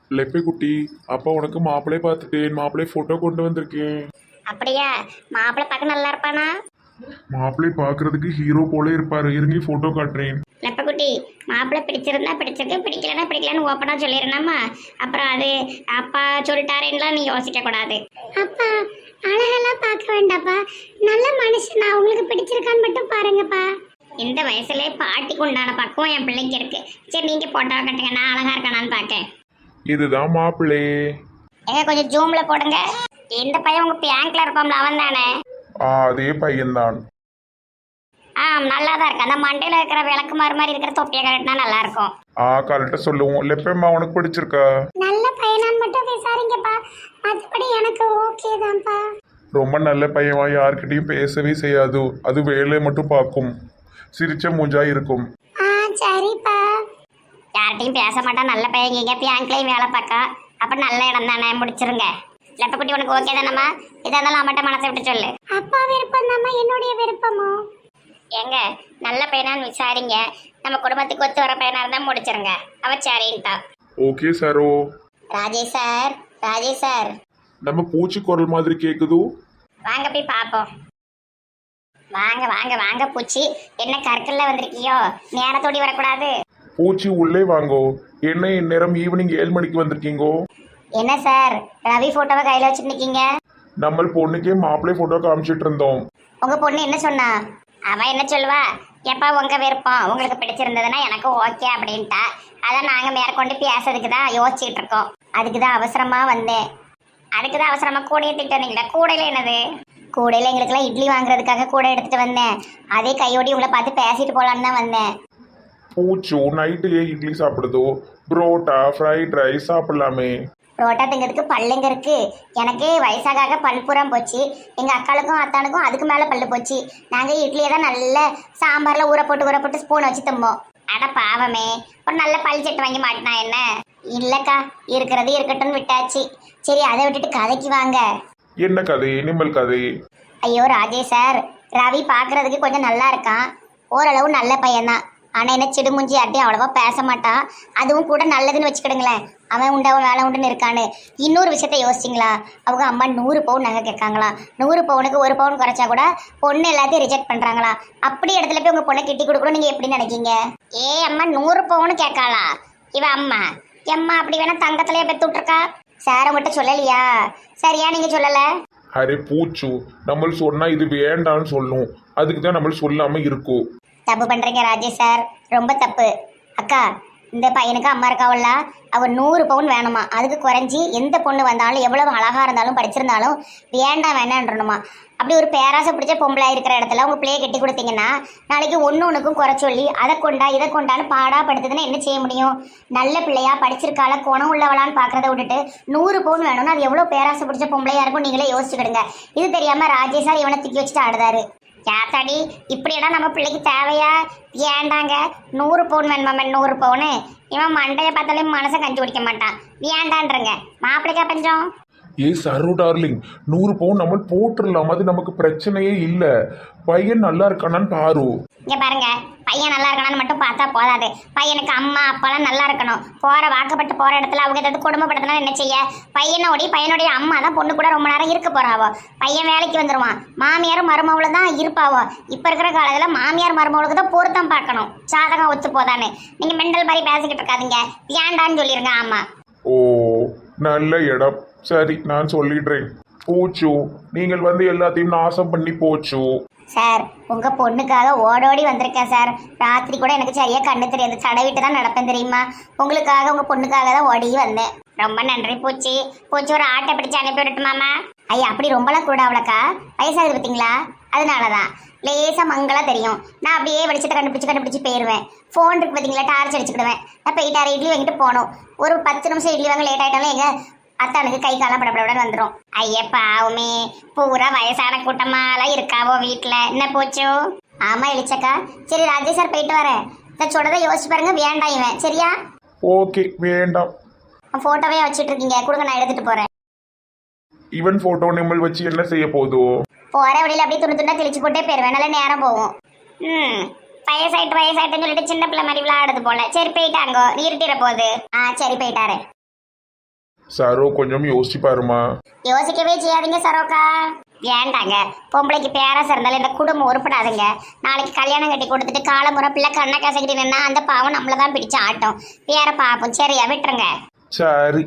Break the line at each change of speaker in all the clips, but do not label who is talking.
லெப்பை குட்டி, அப்பா உனக்கு மாப்பிள்ளை பார்த்துட்டேன். மாப்பிள்ளை போட்டோ கொண்டு வந்திருக்கேன்.
அப்படியா? மாப்பிள்ளை பார்க்க நல்லா இருப்பானா?
மாப்பிள்ளை பார்க்கறதுக்கு ஹீரோ போல இருப்பாரு. இருங்க போட்டோ காட்டுறேன்.
லெப்பக்குட்டி, மாப்பிள்ளை பிடிச்சிருந்தா பிடிச்சிருக்கு, பிடிக்கலன்னா பிடிக்கலன்னு ஓப்பனாக சொல்லிடணுமா? அப்புறம் அது அப்பா சொல்லிட்டாருன்னுலாம் நீ யோசிக்க கூடாது. அப்பா அழகெல்லாம் பார்க்க வேண்டாப்பா, நல்ல மனுஷனா, உங்களுக்கு பிடிச்சிருக்கான்னு மட்டும் பாருங்கப்பா. இந்த வயசுலேயே பாட்டிக்கு உண்டான பக்குவம் என் பிள்ளைக்கு இருக்கு. சரி நீங்க போட்டோ கட்டுங்க, நான் அழகா இருக்கானான்னு பார்க்கேன்.
இதுதான் மாப்பிள்ளை.
ஏங்க கொஞ்சம் ஜூம்ல போடுங்க. இந்த பையன் உங்க பேங்க்ல இருப்பான்ல, அவன் தானே?
அதே பையன்தான்.
நல்லா தான் இருக்கு. அந்த மண்டையில இருக்கிற விளக்குமாறு மாதிரி இருக்கிற தொப்பியை கரெக்டா நல்லா இருக்கும்.
கரெக்டா சொல்லுவோம். லெப்பம்மா உனக்கு பிடிச்சிருக்கா?
நல்ல பையனான்னு மட்டும் விசாரிங்கப்பா, மற்றபடி எனக்கு ஓகே தான்ப்பா.
ரொம்ப நல்ல பையன்வா, யார்கிட்டயும் பேசவே செய்யாது. அது வேலை மட்டும் பார்க்கும். சிரிச்ச மூஞ்சா இருக்கும்.
சரிப்பா. யார்கிட்டையும் பேச மாட்டான், நல்ல பையன். இங்கே பேங்க்லேயும் வேலை பார்க்கா, அப்போ நல்ல இடம் தானே, முடிச்சிருங்க. லெப்பக்குட்டி உனக்கு ஓகே தானம்மா? இதாக இருந்தாலும் அம்மாட்ட மனசை விட்டு சொல்லு. அப்பா விருப்பம் தாம்மா, என்னுடைய விருப்பமோ? ஏங்க நல்ல பையனான்னு விசாரிங்க. நம்ம குடும்பத்துக்கு ஒத்து வர பையனா இருந்தால் முடிச்சிருங்க. அவ சரின்ட்டா.
ஓகே சாரோ.
Rajesh sir, Rajesh sir.
நம்ம பூச்சி குரல் மாதிரி கேக்குது.
வாங்க போய் பார்ப்போம். வாங்க வாங்க வாங்க பூச்சி, என்ன கற்கல்ல வந்திருக்கியோ? நேரத்தோடி வரக்கூடாது.
பூச்சி உள்ளே வாங்கோ. என்ன இந்நேரம் ஈவினிங் 7 மணிக்கு வந்திருக்கீங்கோ?
என்ன சார், ரவி போட்டோவை கையில வச்சுட்டு நிக்கீங்க?
நம்ம பொண்ணுக்கே மாப்பிள்ளை போட்டோ காமிச்சிட்டு இருந்தோம்.
உங்க பொண்ணு என்ன சொன்னா? அவ என்ன சொல்லுவா? எப்பா உங்க விருப்பம், உங்களுக்கு பிடிச்சிருந்ததுன்னா எனக்கு ஓகே அப்படின்ட்டா. அதான் நாங்க மேற்கொண்டு பேசுறதுக்கு தான் யோசிச்சுட்டு இருக்கோம். அதுக்கு தான் அவசரமா வந்தேன். அதுக்கு தான் அவசரமா கூடையை திட்டீங்களா? கூடையில என்னது? கூடையில எங்களுக்குலாம் இட்லி வாங்குறதுக்காக கூடை எடுத்துட்டு வந்தேன். அதே கையோடி உங்களை பார்த்து பேசிட்டு போலான்னு தான் வந்தேன்.
பூச்சு நைட்டு இட்லி சாப்பிடுதோ? புரோட்டா ஃப்ரைட் ரைஸ் சாப்பிடலாமே.
புரோட்டா திங்கிறதுக்கு பல்லுங்க இருக்கு. எனக்கு வயசாக பல்புறம் போச்சு. எங்க அக்காளுக்கும் அத்தானுக்கும் அதுக்கு மேல பல்லு போச்சு. நாங்க இட்லியை தான் நல்ல சாம்பார்ல ஊற போட்டு ஸ்பூன் வச்சு தும்போம். அட பாவமே, ஒரு நல்ல பல் செட்டு வாங்கி மாட்டினா என்ன? இல்லக்கா, இருக்கிறது இருக்கட்டும்னு விட்டாச்சு. சரி அதை விட்டுட்டு கதைக்கு வாங்க.
என்ன கதை? நிம்மல் கதை.
ஐயோ ராஜேஷ் சார், ரவி பாக்குறதுக்கு கொஞ்சம் நல்லா இருக்கான், ஓரளவு நல்ல பையன்தான். ஆனா என்ன சிடுமுஞ்சி யார்ட்டையும் அவ்வளவா பேச மாட்டான். அதுவும் கூட நல்லதுன்னு வச்சுக்கிடுங்களேன். அவன் உண்டு அவன் வேலை உண்டுன்னு இருக்கான்னு. இன்னொரு விஷயத்த யோசிச்சிங்களா? அவங்க அம்மா 100 பவுன் நகை கேட்காங்களா? 100 பவுனுக்கு 1 பவுன் குறைச்சா கூட பொண்ணு எல்லாத்தையும் ரிஜெக்ட் பண்றாங்களா? அப்படி இடத்துல போய் உங்க பொண்ணை கிட்டி கொடுக்கணும் நீங்க எப்படி நினைக்கீங்க? அம்மா 100 பவுன் கேட்காளா? இவ அம்மா எம்மா அப்படி வேணா தங்கத்திலேயே பெத்து விட்டுருக்கா. சார் உங்கள்கிட்ட சொல்லலையா? சரியா நீங்க சொல்லல?
அரே பூச்சு, நம்ம சொன்னா இது வேண்டான்னு சொல்லும். அதுக்கு தான் நம்ம சொல்லாம இருக்கும்.
தப்பு பண்றீங்க ராஜேஷ் சார், ரொம்ப தப்பு. அக்கா, இந்த பையனுக்கு அம்மா இருக்காவல்ல, அவ 100 பவுன் வேணுமா? அதுக்கு குறைஞ்சி எந்த பொண்ணு வந்தாலும் எவ்வளவு அழகா இருந்தாலும் படிச்சிருந்தாலும் வேண்டான்றணுமா? அப்படி ஒரு பேராசை பிடிச்ச பொம்பளை இருக்கிற இடத்துல உங்க பிள்ளைய கட்டி கொடுத்தீங்கன்னா நாளைக்கு ஒன்றுக்கும் குறை சொல்லி அதை கொண்டா இதை கொண்டான்னு பாடா படுத்துதுன்னா என்ன செய்ய முடியும்? நல்ல பிள்ளையா படிச்சிருக்கால குணம் உள்ளவளான்னு பாக்குறத விட்டுட்டு 100 பவுன் வேணும்னா அது எவ்வளவு பேராசை பிடிச்ச பொம்பளையா இருக்கும் நீங்களே யோசிச்சுக்கிடுங்க. இது தெரியாம ராஜேஷ் சார் இவனை தூக்கி வச்சுட்டு ஆடுதாரு. யாத்தாடி இப்படியெல்லாம் நம்ம பிள்ளைக்கு தேவையா? ஏண்டாங்க 100 பவுன் வேணுமா? 100 பவுனு? இவன் மண்டையை பார்த்தாலே மனசை கஞ்சி குடிக்க மாட்டான். ஏண்டான்றங்க மாப்பிள்ளைக்கா பஞ்சம்?
சரு டார்லிங், 100 பவுன் நம்ம போட்டுடலாம். அது நமக்கு பிரச்சனையே இல்லை. பையன் நல்லா இருக்கானான்னு பாரு.
இங்க பாருங்க, பையன் நல்லா இருக்கானு மட்டும் பார்த்தா போதாது. பையனுக்கு அம்மா அப்பாலாம் நல்லா இருக்கணும். வாக்கப்பட்டு போற இடத்துல அவங்க ஏதாவது குடும்பப்படுத்தினா என்ன செய்ய? பையனுடைய அம்மா தான் பொண்ணு கூட ரொம்ப நேரம் இருக்க போறாவோ. பையன் வேலைக்கு வந்துருவான், மாமியாரும் மருமவளும் தான் இருப்பாவோ. இப்ப இருக்கிற காலத்துல மாமியார் மருமவளுக்கு தான் பொருத்தம் பார்க்கணும். சாதகம் ஒத்து போதான்னு நீங்க மெண்டல் மாதிரி பேசிக்கிட்டு இருக்காதீங்க. ஏண்டான்னு சொல்லிருங்க. ஆமா,
ஓ நல்ல இடம். சரி நான் சொல்லிடுறேன். பூச்சு, நீங்கள் வந்து எல்லாத்தையும் நாசம் பண்ணி போச்சு.
சார் உங்க பொண்ணுக்காக ஓடோடி வந்திருக்கேன் சார். ராத்திரி கூட எனக்கு சரியா கண்ணு தெரியாது, தடவிட்டு தான் நடப்பேன் தெரியுமா? உங்களுக்காக உங்க பொண்ணுக்காக தான் ஓடி வந்தேன். ரொம்ப நன்றி பூச்சி. பூச்சி ஒரு ஆட்டை பிடிச்சு அனுப்பி விடட்டுமாமா? ஐயா அப்படி ரொம்பலாம் கூட அவ்வளோக்கா வயசாகுது பார்த்தீங்களா? அதனாலதான் லேசா மங்களா தெரியும். நான் அப்படியே வெளிச்சத்தை கண்டுபிடிச்சு போயிடுவேன். ஃபோன் இருக்கு பார்த்தீங்களா, டார்ச் அடிச்சுக்கிடுவேன். நான் போயிட்டாரு இட்லி வாங்கிட்டு போகணும். ஒரு 10 நிமிஷம் இட்லி வாங்க லேட் ஆகிட்டாலும் எங்க அத்தானுக்கு கை காலம் படப்பட வந்துடும். ஐயப்பாவுமே பூரா வயசான கூட்டமாலாம் இருக்காவோ வீட்டில். என்ன போச்சோ? ஆமா எலிச்சக்கா. சரி ராஜேஷ் சார் போயிட்டு வரேன். நான் சொல்றதை யோசிச்சு பாருங்க. வேண்டாம் இவன். சரியா?
ஓகே வேண்டாம்.
போட்டோவே வச்சுட்டு இருக்கீங்க, கொடுங்க நான் எடுத்துட்டு போறேன்.
இவன் போட்டோ நிம்மல் வச்சு என்ன செய்ய போதோ?
போற வழியில அப்படியே துணி கிழிச்சு போட்டே போயிருவேன். நல்ல நேரம் போகும். வயசாயிட்டுன்னு சொல்லிட்டு சின்ன பிள்ளை மாதிரி விளையாடுது போல. சரி போயிட்டாங்கோ, இருட்டிட போகுது. சரி போயிட்டாரு.
சரோ கொஞ்சம் யோசிச்சு பாருமா.
யோசிக்கவே செய்யாதீங்க சரோக்கா. ஏண்டாங்க, பொம்பளைக்கு பேரஸ் இருந்தாலும் இந்த குடும்பம் உருப்படாதுங்க. நாளைக்கு கல்யாணம் கட்டி கொடுத்துட்டு காலமுறை பிள்ளை கண்ணை கசக்கிட்டு நின்னா அந்த பாவம் நம்மள தான் பிடிச்சு ஆட்டும். வேற பாப்போம். சரியா விட்டுருங்க.
சரி.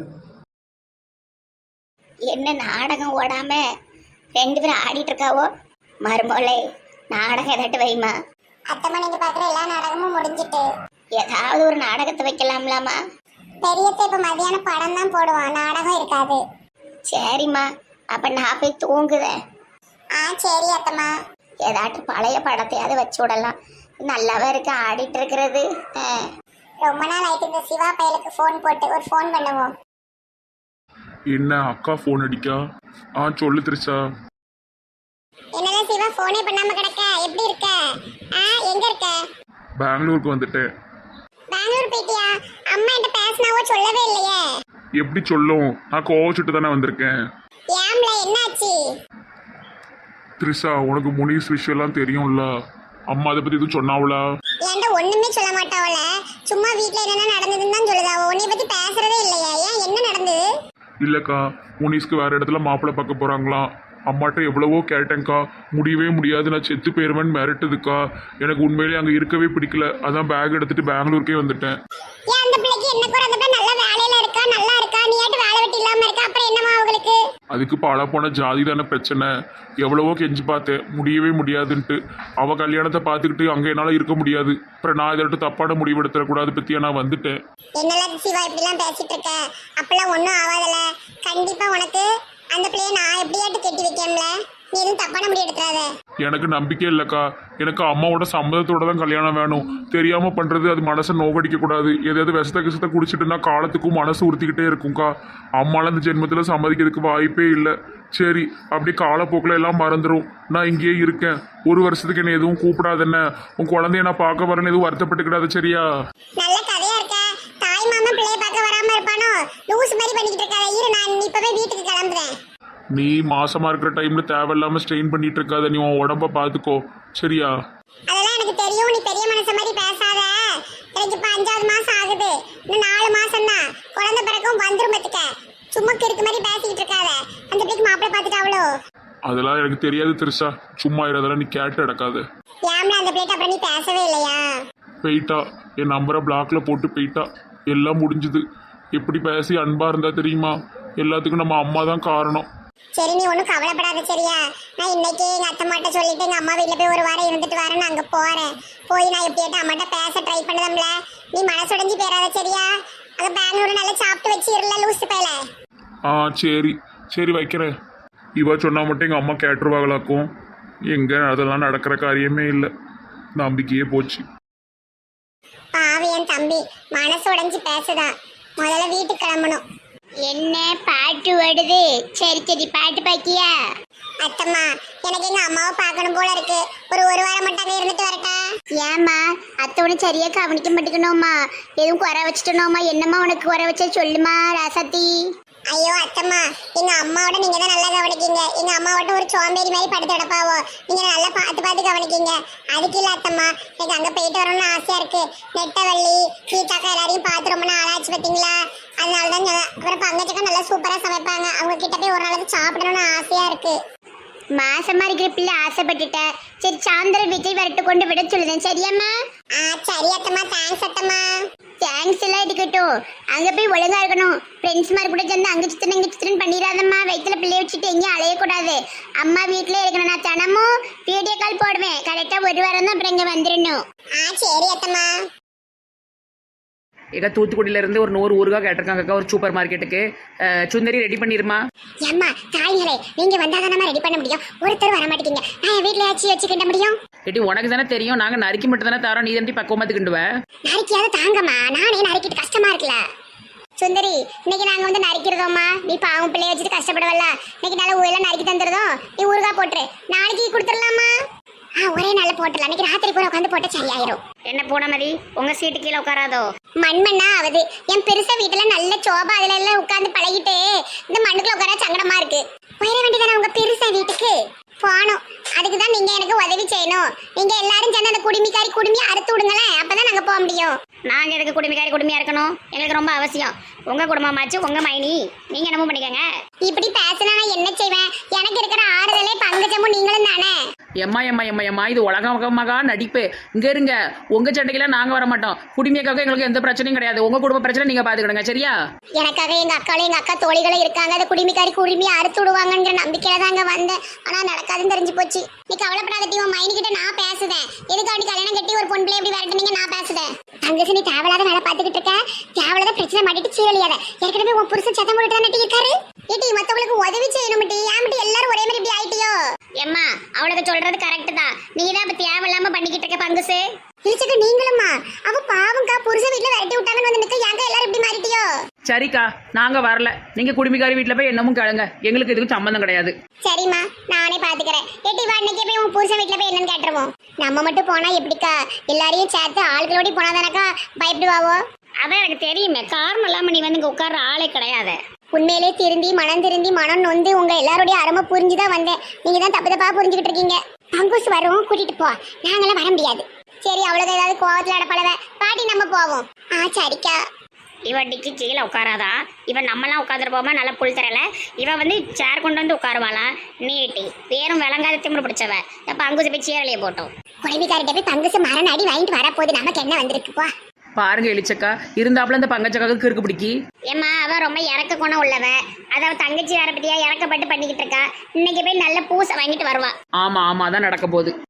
என்ன நாடகம் ஓடாம 2 பேரும் ஆடிட்டு இருக்காவோ? மருமோளே, நாடகம் எதாட்டு வைமா.
அத்தம்மா நீங்க பாக்குற எல்லா நாடகமும் முடிஞ்சிட்டு
ஏதாவது ஒரு நாடகத்தை வைக்கலாம்லாமா?
பெரியத்தை இப்ப மதியான படம் தான் போடுவான், நாடகம் இருக்காது.
சரிம்மா, அப்ப நான் போய் தூங்குதேன்.
சரி அத்தம்மா.
ஏதாட்டு பழைய படத்தையாவது வச்சு விடலாம். நல்லாவே இருக்கு ஆடிட்டு இருக்கிறது.
ரொம்ப நாள் ஆயிட்டு இந்த சிவா பையலுக்கு ஃபோன் போட்டு ஒரு ஃபோன் பண்ணுவோம்.
என்ன அக்கா ஃபோன் அடிக்கா? சொல்லு திரிசா.
என்னதான் சிவா ஃபோனே பண்ணாம கிடக்க? எப்படி இருக்க? எங்க இருக்க?
பெங்களூருக்கு வந்துட்டேன்.
பெங்களூர் போயிட்டியா? அம்மா என்கிட்ட பேசினாவோ சொல்லவே இல்லையே.
எப்படி சொல்லும், நான் கோவச்சுட்டு தானே வந்திருக்கேன்.
ஏம்ல என்னாச்சு?
திரிசா, உனக்கு முனிஸ் விஷயம்லாம் தெரியும்ல. அம்மா அதை பத்தி எதுவும் சொன்னாவளா?
ஏன்டா ஒண்ணுமே சொல்ல மாட்டாவல. சும்மா வீட்ல என்னென்ன நடந்ததுன்னு தான் சொல்லுதாவோ. உன்னை பத்தி பேசுறதே இல்லையா? ஏன், என்ன நடந்தது?
இல்லக்கா, முனிஸ்க்கு வேற இடத்துல மாப்பிள்ளை பார்க்க போறாங்களாம். அம்மாட்ட எவ்வளவோ கேட்டேங்க்கா, முடியவே முடியாது, நான் செத்து போயிருவேன்னு மிரட்டுதுக்கா. எனக்கு உண்மையிலேயே அங்கே இருக்கவே பிடிக்கல. அதான் பேக் எடுத்துட்டு பெங்களூருக்கே வந்துட்டேன்.
ஏன் அந்த பிள்ளைக்கு என்ன குறை? அந்த பிள்ளை நல்ல வேலையில இருக்கா, நல்லா இருக்கா. நீ ஏட்டு வேலை வெட்டி இல்லாம இருக்கா? அப்புறம் என்னமா அவங்களுக்கு?
அதுக்கு பாழா போன ஜாதி தானே பிரச்சனை. எவ்வளவோ கெஞ்சி பார்த்தேன், முடியவே முடியாதுன்ட்டு. அவ கல்யாணத்தை பார்த்துக்கிட்டு அங்கே என்னால் இருக்க முடியாது. அப்புறம் நான் இதற்கு தப்பான முடிவு எடுத்துடக்கூடாது பற்றியா நான் வந்துட்டேன்.
என்னெல்லாம் சிவா இப்படிலாம் பேசிட்டு இருக்க? அப்பெல்லாம் ஒன்றும் ஆகாதல. கண்டிப்பா உனக்கு அந்த பிள்ளைய நான் எப்படியாட்டு கெட்டி வைக்கல. நீ எதுவும் தப்பான முடிவு எடுத்துறாத.
எனக்கு நம்பிக்கை இல்லைக்கா. எனக்கு அம்மாவோட சம்மதத்தோட தான் கல்யாணம் வேணும். தெரியாமல் பண்ணுறது அது மனசை நோகடிக்கக்கூடாது. எதாவது விஷத்தை குடிச்சிட்டுனா காலத்துக்கும் மனசு உறுத்திக்கிட்டே இருக்கும்க்கா. அம்மாலாம் இந்த ஜென்மத்தில் சம்மதிக்கிறதுக்கு வாய்ப்பே இல்லை. சரி, அப்படி காலப்போக்கில் எல்லாம் மறந்துடும். நான் இங்கேயே இருக்கேன். 1 வருஷத்துக்கு என்ன எதுவும் கூப்பிடாதுன்னு. உன் குழந்தைய நான் பார்க்க வரேன்னு எதுவும் வருத்தப்பட்டுக்கிடாது, சரியா?
நல்ல கதையா இருக்க. தாய் மாமா பிள்ளைய பார்க்க வராம இருப்பானோ? லூஸ் மாதிரி பண்ணிக்கிட்டு இருக்காத. இரு, நான் இப்பவே வீட்டுக்கு கிளம்புறேன்.
நீ மாசமா இருக்கிற டைம்ல தேவையில்லாம ஸ்ட்ரெயின் பண்ணிட்டு இருக்காத. நீ உன் உடம்ப பாத்துக்கோ, சரியா?
அதெல்லாம் எனக்கு தெரியும். நீ பெரிய மனுஷ மாதிரி பேசாத. எனக்கு இப்ப 5வது மாசம் ஆகுது. இன்னும் 4 மாசம் தான். குழந்தை பிறக்கும் வந்துரும் பத்துக்க. சும்மா கிறுக்கு மாதிரி பேசிக்கிட்டு இருக்காத. அந்த பிள்ளைக்கு மாப்பிள்ளை பார்த்துட்டாவளோ?
அதெல்லாம் எனக்கு தெரியாது திரிசா. சும்மா இதெல்லாம் நீ கேட்டு அடக்காத.
ஏம்ல அந்த பிள்ளைகிட்ட அப்புறம் நீ பேசவே இல்லையா?
போயிட்டா, என் நம்பரை பிளாக்ல போட்டு போயிட்டா. எல்லாம் முடிஞ்சுது. எப்படி பேசி அன்பா இருந்தா தெரியுமா? எல்லாத்துக்கும் நம்ம அம்மா தான் காரணம்.
சரி, நீ ஒன்றும் கவலைப்படாத, சரியா? நான் இன்னைக்கு எங்கள் அத்தை மாட்ட சொல்லிட்டு எங்கள் அம்மா வீட்டில் போய் 1 வாரம் இருந்துட்டு வரேன். நான் அங்கே போகிறேன். போய் நான் எப்படியாட்டும் அம்மாட்ட பேச ட்ரை பண்ணதம்ல. நீ மனசுடைஞ்சு போயிடாத, சரியா? அங்கே பெங்களூர் நல்லா சாப்பிட்டு வச்சு இருல லூசு பையல.
சரி சரி, வைக்கிறேன். இவ சொன்னா மட்டும் எங்கள் அம்மா கேட்டுருவாங்களாக்கும். எங்கே அதெல்லாம் நடக்கிற காரியமே இல்லை. நம்பிக்கையே போச்சு.
பாவி என் தம்பி மனசு உடைஞ்சு பேசுதான். முதல்ல வீட்டுக்கு கிளம்பணும்.
என்ன பாட்டு ஓடுது? சரி சரி, பாட்டு பாக்கியா?
அத்தம்மா, எனக்கு எங்க அம்மாவை பார்க்கணும் போல இருக்கு. ஒரு வாரம் மட்டும் அங்கே இருந்துட்டு வரட்டா?
ஏம்மா, அத்தை உனக்கு சரியா கவனிக்க மாட்டேங்கணுமா? எதுவும் குறை வச்சுட்டனோமா? என்னம்மா உனக்கு குறை வச்ச சொல்லுமா ராசாத்தி.
ஐயோ அத்தம்மா, எங்க அம்மாவோட நீங்க தான் நல்லா கவனிக்கீங்க. எங்க அம்மாவோட ஒரு சோம்பேறி மாதிரி படுத்து கிடப்பாவோ. நீங்க நல்லா பார்த்து கவனிக்கீங்க. அதுக்கு இல்ல அத்தம்மா, எனக்கு அங்க போயிட்டு வரணும்னு ஆசையா இருக்கு. நெட்டவள்ளி கீதாக்கா எல்லாரையும் பார்த்து ரொம்ப நாள் ஆச்சு பார்த்தீங்களா? அதனாலதான் அப்புறம் பங்கச்சக்கா நல்லா சூப்பரா சமைப்பாங்க. அவங்க கிட்ட போய் ஒரு நாளைக்கு சாப்பிடணும்னு ஆசையா இருக்கு.
மாசமா இருக்கிற பிள்ளை ஆசைப்பட்டுட்ட. சரி, சாயந்தரம் வீட்டை வரட்டு கொண்டு விட சொல்லுதேன், சரியாம்மா?
சரி அத்தம்மா, தேங்க்ஸ் அத்தம்மா.
தேங்க்ஸ் எல்லாம் இருக்கட்டும். அங்க போய் ஒழுங்கா இருக்கணும். ஃப்ரெண்ட்ஸ் மாதிரி கூட சேர்ந்து அங்க சித்திரன் பண்ணிடாதம்மா. வயிற்றுல பிள்ளைய வச்சுட்டு எங்கேயும் அலையக்கூடாது. அம்மா வீட்டிலே இருக்கணும். நான் தினமும் வீடியோ கால் போடுவேன். கரெக்டா 1 வாரம் தான், அப்புறம் இங்க வந்துடணும்.
சரி அத்தம்மா.
ஏக்கா தூத்துக்குடியில இருந்து ஒரு 100 ஊருகா கேட்டிருக்காங்கக்கா ஒரு சூப்பர் மார்க்கெட்டுக்கு. சுந்தரி ரெடி பண்ணிருமா?
ஏம்மா தாய்களே, நீங்க வந்தாதான் நம்ம ரெடி பண்ண முடியும். ஒருத்தர் வர மாட்டேங்க. நான் என் வீட்டுல வச்சு கிட்ட முடியும்.
ஏட்டி உனக்கு தானே தெரியும், நாங்க நறுக்கி மட்டும் தானே தரோம். நீ தம்பி பக்குவமாத்துக்கிண்டுவ.
நறுக்கியாவது தாங்கம்மா, நானே நறுக்கிட்டு கஷ்டமா இருக்குல்ல.
சுந்தரி, இன்னைக்கு நாங்க வந்து நறுக்கிறதோம்மா. நீ பாவம் பிள்ளைய வச்சுட்டு கஷ்டப்படவல்ல. இன்னைக்கு நல்ல ஊரெல்லாம் நறுக்கி தந்துருதோம். நீ ஊருகா போட்டுரு. நாளைக்கு கொடுத்துடலாமா?
ஒரே நாள் போட்டலாம். இன்னைக்கு ராத்திரி கூட உட்காந்து போட்ட சரியாயிரும்.
என்ன பூனமதி, உங்க சீட்டு கீழே உட்காராதோ?
மண்மண்ணா ஆகுது. என் பெருசா வீட்டுல நல்ல சோபா அதுல எல்லாம் உட்காந்து பழகிட்டு இந்த மண்ணுக்குள்ள உட்கார சங்கடமா இருக்கு. போயிட வேண்டியதானே உங்க பெருசா வீட்டுக்கு. போகணும். அதுக்கு தான் நீங்க எனக்கு உதவி செய்யணும். நீங்க எல்லாரும் சேர்ந்து அந்த குடுமியை அறுத்து விடுங்களேன், அப்பதான் நாங்க போக முடியும்.
நாங்கள் எதுக்கு குடும்பியா இருக்கணும்? எங்களுக்கு ரொம்ப அவசியம். உங்கள் குடும்பமாச்சு, உங்கள் மைனி, நீங்கள் என்னமோ பண்ணிக்கங்க.
இப்படி பேசினா நான் என்ன செய்வேன்? எனக்கு இருக்கிற ஆறுதலே பங்கஜமும் நீங்களும் தானே.
எம்மா இது உலகமாக நடிப்பு. இங்க இருங்க, உங்க சண்டைக்கெல்லாம் நாங்க வர மாட்டோம். குடிமைக்காக எங்களுக்கு எந்த பிரச்சனையும் கிடையாது. உங்க குடும்ப பிரச்சனை நீங்க பாத்துக்கிடுங்க, சரியா?
எனக்காக எங்க அக்காலும் எங்க அக்கா தோழிகளும் இருக்காங்க. அந்த குடுமியை அறுத்து விடுவாங்கன்ற நம்பிக்கையில தாங்க வந்தேன். ஆனா நடக்காதுன்னு தெரிஞ்சு போச்சு. நீ கவலைப்படாத டீ, உன் மைனி கிட்ட நான் பேசுதேன். எதுக்காண்டி கல்யாணம் கட்டி ஒரு பொன் பிள்ளை எப்படி விரட்டுனீங்க, நான் பேசுதேன். தங்கச்சி, நீ தேவையில்லாத வேலை பார்த்துக்கிட்டு இருக்க. தேவையில்லாத பிரச்சனை மாட்டிட்டு சீரழியாத. ஏற்கனவே உன் புருஷன் சத்தம் போட்டுட்டு தானே இருக்காரு. ஏட்டி, மத்தவங்களுக்கு உதவி செய்யணும் டி. ஏன் எல்லாரும் ஒரே மாதிரி இப்படி ஆயிட்டியோ?
எம்மா, அவளுக்கு சொல்றது கரெக்ட் தான். நீ தான் இப்போ தேவையில்லாம பண்ணிக்கிட்டு இருக்க பங்குசு.
இழிச்சக்க நீங்களும்மா. அவ பாவம்க்கா, புருஷன் வீட்டுல விரட்டி விட்டாங்கன்னு வந்து நிக்க. ஏங்க எல்லாரும் இப்படி மாறிட்டியோ?
சரிக்கா, நாங்க வரல. நீங்க குடிமைக்காரி வீட்டுல போய் என்னமும் கேளுங்க. எங்களுக்கு இதுக்கு சம்பந்தம் கிடையாது.
சரிம்மா, நானே பாத்துக்கிறேன். ஏட்டி வா, இன்னைக்கே போய் உன் புருஷன் வீட்டுல போய் என்னன்னு கேட்டுருவோம். நம்ம மட்டும் போனா எப்படிக்கா? எல்லாரையும் சேர்த்து ஆளுகளோட போனாதானக்கா பயப்படுவாவோ?
அதான் எனக்கு தெரியுமே. காரணம் இல்லாம நீ வந்து இங்க உட்கார்ற ஆளே கிடையாது.
உண்மையிலே திருந்தி மனம் நொந்து உங்க எல்லாருடைய அருமை புரிஞ்சுதான் வந்தேன். நீங்க தான் தப்பா புரிஞ்சுக்கிட்டு இருக்கீங்க. பங்குஸ் வரும், கூட்டிட்டு போ. நாங்களாம் வர முடியாது. சரி, அவ்வளவு ஏதாவது கோவத்துல அடப்பளவ பாட்டி, நம்ம போவோம். சரிக்கா.
இவன் டிக்கி கீழே உட்காராதா? இவன் நம்மலாம் உட்காந்துருப்போமா? நல்லா புல் தரல. இவன் வந்து சேர் கொண்டு வந்து உட்காருவாளாம். நீட்டி வேறும் விளங்காத திமிரு பிடிச்சவ. எப்ப அங்குசு போய் சீரலையை போட்டோம்.
குழந்தைக்காரிட்ட போய் பங்குசு மரண அடி வாங்கிட்டு வரப்போகுது. நமக்கு என்ன வந்திருக்கு போ.
பாருங்க எலிச்சக்கா, இருந்தாப்புல இந்த பங்கச்சக்காவுக்கு கிறுக்கு பிடிக்கி.
ஏம்மா, அவன் ரொம்ப இறக்க குணம் உள்ளவ. அத தங்கச்சி வேற பத்தியா இறக்கப்பட்டு பண்ணிக்கிட்டு இருக்கா. இன்னைக்கு போய் நல்ல பூசை வாங்கிட்டு வருவா.
ஆமா அதான் நடக்க போகுது.